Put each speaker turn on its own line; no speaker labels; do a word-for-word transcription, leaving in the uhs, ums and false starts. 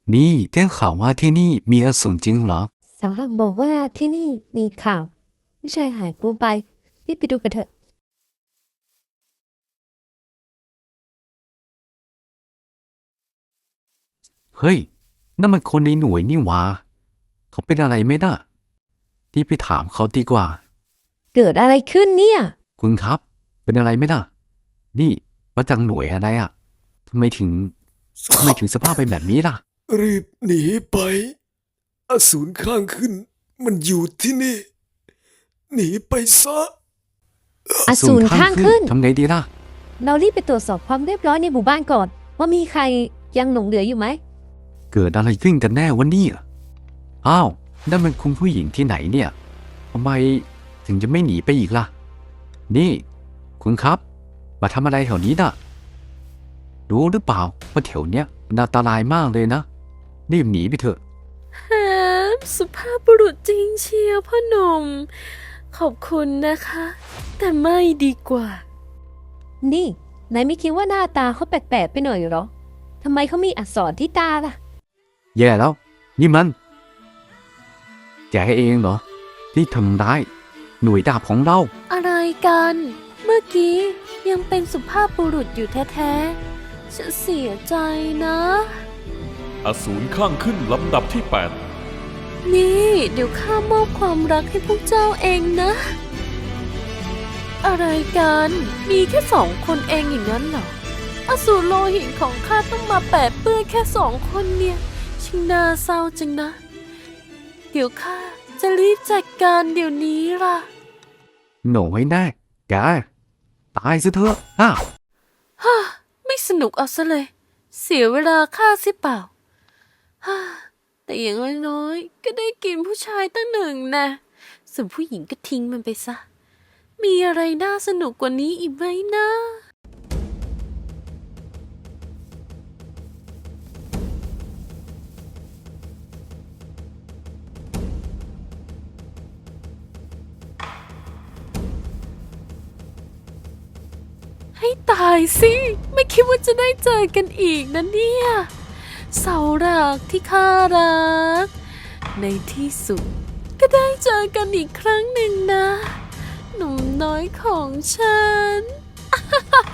นี่ได้ข่าวว่าที่นี่มีอสูรจริงเหรอ
สาวหลังบอกว่าที่นี่มีข่าวผู้ชายหายตัวไปรีบไปดูกันเถอะ
เฮ้ยนั่นมันคนในหน่วยนี่หว่าเขาเป็นอะไรไหมน่ะที่ไปถามเขาดีกว่า
เกิดอะไรขึ้นเนี่ย
คุณครับเป็นอะไรไหมน่ะนี่มาจากหน่วยอะไรอ่ะทำไมถึงทำไมถึงสภาพเป็นแบบนี้ล่ะ
รีบหนีไปอสูรข้างขึ้น มันอยู่ที่นี่ หนีไปซะ
อสูรข้างขึ้น
ทำไงดีล่ะ
เรารีบไปตรวจสอบความเรียบร้อยในหมู่บ้านก่อน ว่ามีใครยังหลงเหลืออยู่ไหม
เกิดอะไรขึ้นกันแน่วะเนี่ยอ้าวนั่นมันคุณผู้หญิงที่ไหนเนี่ยทำไมถึงจะไม่หนีไปอีกล่ะนี่คุณครับมาทำอะไรแถวนี้น่ะรู้หรือเปล่าว่าแถวเนี้ยมันอันตรายมากเลยนะรีบหนีไปเถอะ
แฮมสุภาพบุรุษจริงเชียวพ่อหนุ่มขอบคุณนะคะ แต่ไม่ดีกว่า
นี่นายไม่คิดว่าหน้าตาเขาแปลกๆไปหน่อยเหรอทำไมเขามีอักษรที่ตาล่ะ
แย่แล้วนี่มันแกเองเหรอที่ทำร้ายหน่วยดาบของเรา
อะไรกัน เมื่อกี้ยังเป็นสุภาพบุรุษอยู่แท้ๆฉันเสียใจนะ
อสูรข้างขึ้นลำดับที่แปด
นี่เดี๋ยวข้ามอบความรักให้พวกเจ้าเองนะ อะไรกัน มีแค่สองคนเองอย่างนั้นเหรออสูรโลหิตของข้าต้องมาแปะเปื้อนแค่สองคนเนี่ยช่างน่าเศร้าจังนะ เดี๋ยวข้าจะรีบจัดการเดี๋ยวนี้ล่ะ
หน่อยแน่แกตายซะเถอะอ้า
ฮ่าไม่สนุกเอาซะเลย เสียเวลาข้าสิเปล่าฮ่าแต่อย่างน้อยๆก็ได้กินผู้ชายตั้งหนึ่งนะส่วนผู้หญิงก็ทิ้งมันไปซะ มีอะไรน่าสนุกกว่านี้อีกไหมนะให้ตายสิ ไม่คิดว่าจะได้เจอกันอีกนะเนี่ยเสาหลักที่ข้ารัก ในที่สุดก็ได้เจอกันอีกครั้งหนึ่งนะ หนุ่มน้อยของฉัน